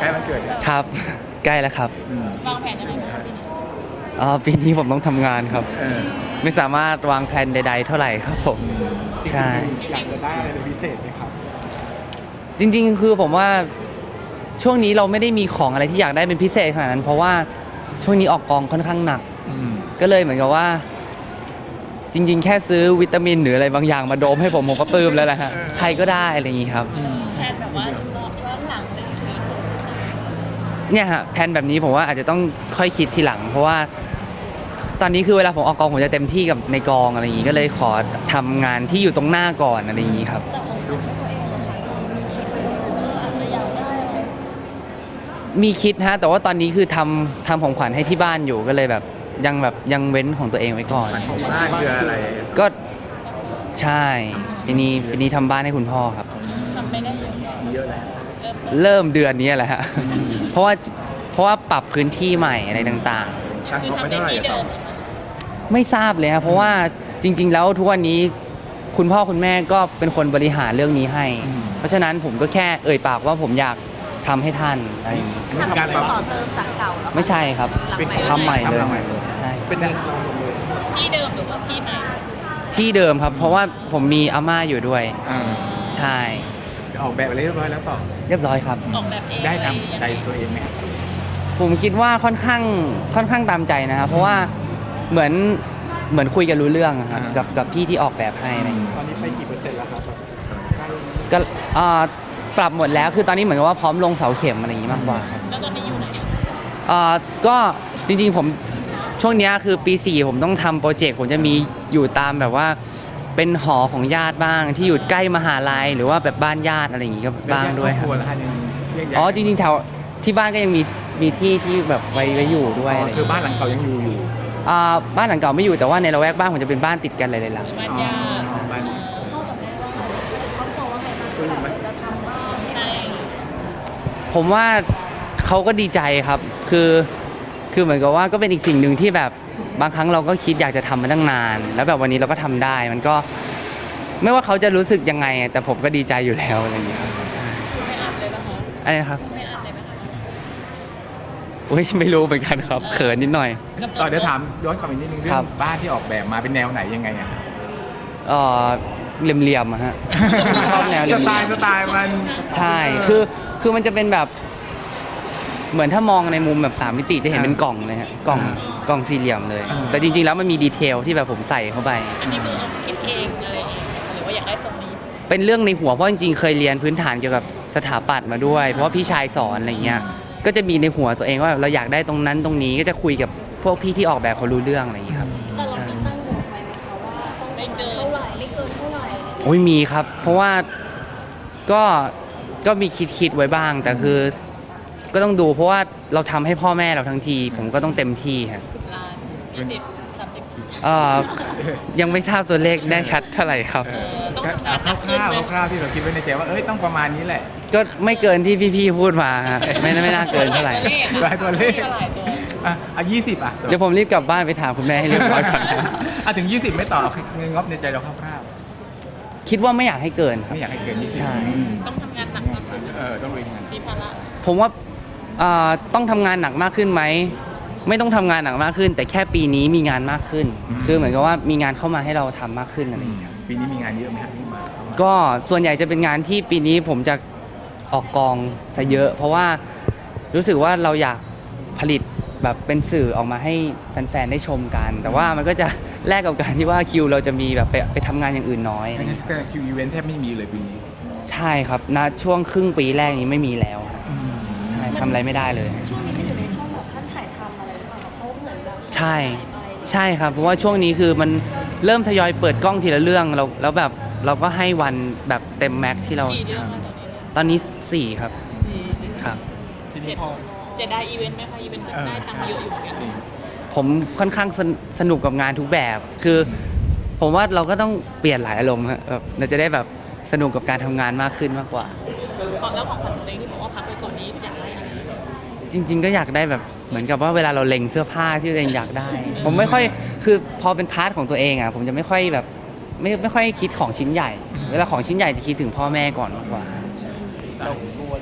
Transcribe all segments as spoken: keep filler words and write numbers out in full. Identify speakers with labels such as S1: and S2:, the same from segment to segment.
S1: ใกล้วันเกิดเนี่ย
S2: ครับใกล้แล้วครับ
S3: วางแผนยังไงบ้างปีนี้
S2: อ๋อปีนี้ผมต้องทำงานครับ
S1: เออ
S2: ไม่สามารถวางแผนใดๆเท่าไหร่ครับผมใช่
S1: อยากจะได้อะไรเป็นพิเศษไหมครับ
S2: จริงๆคือผมว่าช่วงนี้เราไม่ได้มีของอะไรที่อยากได้เป็นพิเศษขนาดนั้น เพราะว่าช่วงนี้ออกกองค่อนข้างหนัก
S1: อืม
S2: ก็เลยเหมือนกับว่า จริง ๆ แค่ซื้อวิตามินหรืออะไรบางอย่างมาโดมให้ผมผมก็ปลื้มแล้วแหละฮะใครก็ได้อะไรอย่างงี้ครับ
S3: แทนแบบว่าย้อนหลังเลยใช่ไหม
S2: เนี่ยฮะแผนแบบนี้ผมว่าอาจจะต้องค่อยคิดทีหลัง เพราะว่าตอนนี้คือเวลาผมออกกองผมจะเต็มที่กับในกองอะไรอย่างงี้ก็เลยขอทำงานที่อยู่ตรงหน้าก่อนอะไรอย่างงี้ครับ
S3: แต่ของขวัญให้ตัวเองนะคะเอออาจจะอยากได้อะไร
S2: มีคิดฮะแต่ว่าตอนนี้คือทำทำของขวัญให้ที่บ้านอยู่ก็เลยแบบยังแบบยังเว้นของตัวเองไว้ก่อน
S1: มันของบ้านคืออะไร
S2: ก็ใช่ปีนี้ปีนี้ทำบ้านให้คุณพ่อครับ
S3: ทำไม่ได้เยอะแยะ
S1: เยอะแล้ว
S3: เริ่มต้น
S2: เริ่มเดือนนี้แหละฮะเพราะว่าเพราะว่าปรับพื้นที่ใหม่อะไรต่าง
S1: ช่าง
S3: คือ
S1: เขาไม่
S3: ทำใน
S1: เท่าไหร่
S3: ที่
S1: ต่
S3: เดิ
S1: อ
S3: ม
S2: ๆ ไม่ทราบเลยครับเพราะว่าจริง ๆ แล้วทุกวันนี้คุณพ่อคุณแม่ก็เป็นคนบริหารเรื่องนี้ให้ เพราะฉะนั้นผมก็แค่เอ่ยปากว่าผมอยากทำให้ท่านอะไรอย่างนี้
S1: เป็นการปรับ
S3: ต่อเติมจากเก่าเหรอคะ
S2: ไม่ใช่ครับ
S1: เป็น
S2: ทำใหม่เลย
S1: ทำใหม่เลย
S2: ใช่
S1: เป็นเงิน
S3: ที่เดิมหรือว่าที่ใหม่
S2: ที่เดิมครับ เพราะว่าผมมีอาม่าอยู่ด้วย
S1: อ่า
S2: ใช่
S1: ออกแบบอะไรเรียบร้อยแล้วต่อ
S2: เรียบร้อยครับ
S3: ออกแบบเอง
S1: ได้
S3: อะไร
S1: ตาม
S3: ยัง
S1: ใจ
S3: ไง
S1: ตัวเองไหมครับ
S2: ผมคิดว่าค่อนข้างค่อนข้างตามใจนะครับเพราะว่าเหมือนเหมือนคุยกันรู้เรื่องอะครับ
S1: อ่า
S2: กับกับพี่ที่ออกแบบให้อะไรอย่างงี้
S1: ตอนนี้ไปกี่เปอร์เซ็นต์แล้วครับ
S2: ก็เอ่อปรับหมดแล้วคือตอนนี้เหมือนกับว่าพร้อมลงเสาเข็มอะไรอย่างงี้มากกว่าครับ
S3: แล้วตอนนี้อยู่ไหนอะ
S2: เอ่อก็จริงๆผมช่วงเนี้ยคือปีสี่ผมต้องทำโปรเจกต์ผมจะมีอยู่ตามแบบว่าเป็นหอของญาติบ้าง ที่อยู่ใกล้มหาลัยหรือว่าแบบบ้านญาติอะไรอย่างงี้ก็บ้างด้วยครับ
S1: ครอบครัวแล้วฮะยังแยกย้าย
S2: อ๋อจริงๆแถวที่บ้านก็ยังมีมีที่ที่แบบไว้ไว้อยู่ด้วยอะไรอย่าง
S1: คือ
S2: งี้
S1: บ้านหลังเขายังอยู่อยู่
S2: อ่าบ้านหลังเก่าไม่อยู่แต่ว่าในละแวกบ้านผมจะเป็นบ้านติดกันหลายๆหลัง
S3: หรือบ้านญาติ
S1: อ๋อบ้าน
S3: พ่อกับแม่ว่าไงครอบครัวว่าไงบ้างแบบจะทำบ้านให้
S2: ผมว่าเขาก็ดีใจครับ คือคือเหมือนกับว่าก็เป็นอีกสิ่งหนึ่งที่แบบบางครั้งเราก็คิดอยากจะทำมาตั้งนาน แล้วแบบวันนี้เราก็ทำได้ มันก็ไม่ว่าเขาจะรู้สึกยังไง แต่ผมก็ดีใจอยู่แล้วอะไรอย่างเงี้ยครับใช่
S3: ไม่อัดเลยป่ะคะ
S2: อะไรนะครับ
S3: ไม่อัดเลยไหมคะ
S2: อุ้ยไม่รู้เหมือนกันครับเขินนิดหน่อย
S1: ต่อเดี๋ยวถามย้อนกลับอีกนิดนึงเรื่อ
S2: ครั
S1: ง
S2: บ
S1: บ้านที่ออกแบบมาเป็นแนวไหนยังไงอะ
S2: เอ่อเหลี่ยมๆอะฮะ ชอบแนวเหลี่
S1: ส
S2: ยมๆ
S1: ไตล์สไตล์มัน
S2: ใช่ คือ คือมันจะเป็นแบบ เหมือนถ้ามองในมุมแบบสามมิติจะเห็นเป็นกล่องเลยฮะ กล่อง กล่องสี่เหลี่ยมเลย แต่จริงๆ แล้วมันมีดีเทลที่แบบผมใส่เข้าไป
S3: อันนี้คือเอาคิดเองอะไรเองหรือว่าอยากได้ทรงนี้
S2: เป็นเรื่องในหัว เพราะจริงๆ เคยเรียนพื้นฐานเกี่ยวกับสถาปัตย์มาด้วย เพราะว่าพี่ชายสอนอะไรเงี้ย ก็จะมีในหัวตัวเองว่าเราอยากได้ตรงนั้นตรงนี้ ก็จะคุยกับพวกพี่ที่ออกแบบเขารู้เรื่องอะไรอย่างงี้ครับ
S4: แต่เรา
S2: ใช่
S4: มีตั้งงบไว้ไหมคะว่าต้อง
S3: ไม่เกิน
S4: เท่าไหร่ไม่เกินเท่าไหร่อะไรอย่างเงี้ย
S2: โอ้ยมีครับ เพราะว่าก็ ก็มีคิดคิดไว้บ้าง แต่คือ ก็ต้องดูเพราะว่าเราทำให้พ่อแม่เราทั้งที ผมก็ต้องเต็มที่ครับ
S3: สิบล้านยี่สิบสามสิบ
S2: เอ่อยังไม่ทราบตัวเลขแน่ชัดเท่าไหร่ครับ
S3: เออต้อง
S1: ก็
S3: ทำงานห
S1: เอา
S3: นักขึ้น
S1: คร่าว
S3: ไหม
S1: ๆคร่าวๆที่เราคิดไว้ในใจว่าเอ้ยต้องประมาณนี้แหละ
S2: ก็ไม่เกินที่พี่ๆพูดมาฮะไม่ไม่น่าเกินเท่าไหร่
S1: หลายตัวเลข
S3: หลายตัว
S1: อ่ะอ่ะยี่สิบอ่ะ
S2: เดี๋ยวผมรีบกลับบ้านไปถามคุณแม่ให้เรียบร้อยก่อนนะ
S1: อ่ะถึงยี่สิบไม่ต่อเงินงบในใจเราคร่าว
S2: คิดว่าไม่อยากให้เกินค
S1: ๆ
S2: รับ
S1: ไม่อยากให้เกินยี่สิบ
S2: ใช่
S3: ต้องทำงานหนักมากขึ้น
S1: เออต้องลุยงาน
S3: มีภาระ
S2: ผมว่าเอ่อต้องทำงานหนักมากขึ้นไหมไม่ต้องทำงานหนักมากขึ้น แต่แค่ปีนี้มีงานมากขึ้น คือเหมือนกับว่ามีงานเข้ามาให้เราทำมากขึ้นอะไรอย่างเงี้ย
S1: ปีนี้มีงานเยอะไหมครับที่มา
S2: ก็ส่วนใหญ่จะเป็นงานที่ปีนี้ผมจะออกกองซะเยอะ เพราะว่ารู้สึกว่าเราอยากผลิตแบบเป็นสื่อออกมาให้แฟนๆได้ชมกัน แต่ว่ามันก็จะแลกกับการที่ว่าคิวเราจะมีแบบไปไปทำงานอย่างอื่นน้อยอะไรอย่างเงี้ย
S1: ก็คิวอีเวนต์แทบไม่มีเลยปีนี้
S2: ใช่ครับณช่วงครึ่งปีแรกนี้ไม่มีแล้วครับใช่ทำอะไรไม่ได้เลย
S4: ช่วงนี้มันอยู่ในช่วงแบบขั้นถ่ายทำอะไรหรือเปล่าเพราะเหมือนแบบ
S2: ใช่ใช่ครับเพราะว่าช่วงนี้คือมันเริ่มทยอยเปิดกล้องทีละเรื่องเราแล้วแบบเราก็ให้วันแบบเต็มแม็กซ์ที่เรา
S3: กี่เดือน
S2: ท
S3: มาตอนนี้
S2: ำตอนนี้สี่ครับ
S3: สี่เดือน
S2: ครับ
S1: ที
S3: เสี
S1: นี้
S3: ย
S1: พอ
S3: เสียดายอีเวนต์ไหมคะอีเวนต์ได้ตังค์เยอะอยู่เหมือนกัน
S1: สี่
S2: ผมค่อนข้างสนสนุกกับงานทุกแบบ คือ ผมว่าเราก็ต้องเปลี่ยนหลายอารมณ์ครับแบบเราจะได้แบบสนุกกับการทำงานมากขึ้นมากกว่า
S3: ของแล้วของขวัญของตัวเองที่บอกว่าพักไปก่อนนี้อยากได้อะไร
S2: จริง ๆ ก็อยากได้แบบเหมือนกับว่าเวลาเราเล็งเสื้อผ้าที่ตัวเองอยากได้ ผมไม่ค่อยคือพอเป็นพาร์ทของตัวเองอ่ะผมจะไม่ค่อยแบบไม่ไม่ค่อยคิดของชิ้นใหญ่ เวลาของชิ้นใหญ่จะคิดถึงพ่อแม่ก่อนมากกว่า
S1: เรากลัวเรื่องปีช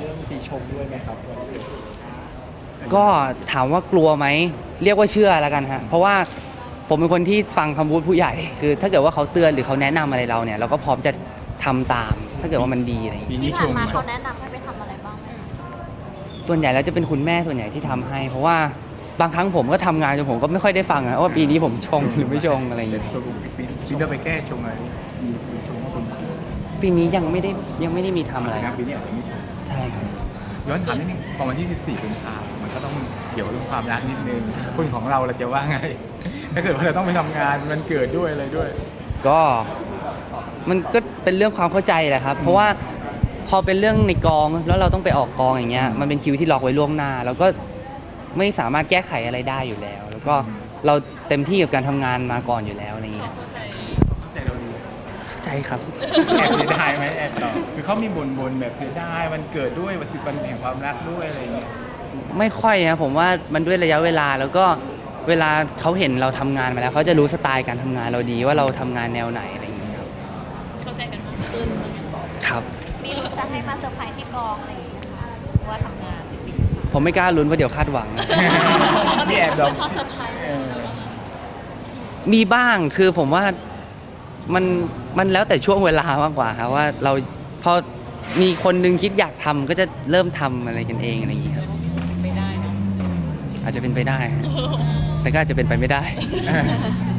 S1: ชมด้วยไหมครับ
S2: ก็ถามว่ากลัวไหมเรียกว่าเชื่อแล้วกันฮะเพราะว่าผมเป็นคนที่ฟังคำพูดผู้ใหญ่ คือถ้าเกิดว่าเขาเตือนหรือเขาแนะนำอะไรเราเนี่ยเราก็พร้อมจะทำตาม ถ้าเกิดว่ามันดีอะไรอย่าง
S1: ปี
S2: เงี้ย
S1: นี้
S3: ที่
S1: ช
S3: ผ่าน
S1: ม
S3: มา
S1: ช
S3: เขา
S1: ม
S3: แนะนำให้ไปทำอะไรบ้างไหมคะ
S2: ส่วนใหญ่แล้วจะเป็นคุณแม่ส่วนใหญ่ที่ทำให้ เพราะว่าบางครั้งผมก็ทำงานจนผมก็ไม่ค่อยได้ฟังนะว่าปีนี้ผมชงหรือไม่ชงอะไรอย่าง
S1: แต่
S2: เงี้ย
S1: ตัวผมปีปีนี้ไปแก้ชมอะไรมีมีชมว่าคุณครู
S2: ปีนี้ยังไม่ได้ยังไม่ได้มีทำอะไร
S1: นะปีนี้อาจจะไม่ชม
S2: ใช่ครับ
S1: ย้อนถามนิดนึงพอวันที่สิบสี่กุมภาพันธ์มันก็ต้องเกี่ยวกับเรื่องความรักนิดนึงคนของเราเราจะว่าไง ถ้าเกิดว่าเราต้องไปทำงานมันเกิดด้วยอะไรด้วย
S2: ก็มันก็เป็นเรื่องความเข้าใจแหละครับ เพราะว่าพอเป็นเรื่องในกองแล้วเราต้องไปออกกองอย่างเงี้ยมันเป็นคิวที่ล็อกไว้ล่วงหน้า แล้วก็ไม่สามารถแก้ไขอะไรได้อยู่แล้ว แล้วก็เราเต็มที่กับการทำงานมาก่อนอยู่แล้วอะไรเงี้ย
S1: เข้าใจเราดี
S2: เข้าใจครับ
S1: แอบเสียดายไหมแอบต่อคือเขามีบ่นบนๆแบบเสียดายมันเกิดด้วยวันสิบวันแห่งความรักด้วยอะไรอย่างเงี้ย
S2: ไม่ค่อยนะผมว่ามันด้วยระยะเวลาแล้วก็เวลาเขาเห็นเราทำงานมาแล้วเขาจะรู้สไตล์การทำงานเราดีว่าเราทำงานแนวไหนอะไรอย่างเงี้ยครับ
S4: เข้าใจกันมากขึ้น
S2: ครับ
S3: มีลุ้นจะให้มาเซอร์ไพรส์ที่กองอะไรอย่างเงี้ยค่ะหรือว่าทำงานจริงๆค่ะ
S2: ผมไม่กล้าลุ้นเพราะเดี๋ยวคาดหวัง
S1: มีแอบดอก
S4: ชอบเซอร์ไพรส์
S1: เออ
S2: มีบ้างคือผมว่ามันมันแล้วแต่ช่วงเวลามากกว่าครับว่าเราพอมีคนนึงคิดอยากทำก็จะเริ่มทำอะไรกันเองอะไรอย่างเงี้ยครับ
S4: ไม่ได้นะ
S2: อาจจะเป็นไปได้ฮะแต่ก็อาจจะเป็นไปไม่ได้
S1: เออ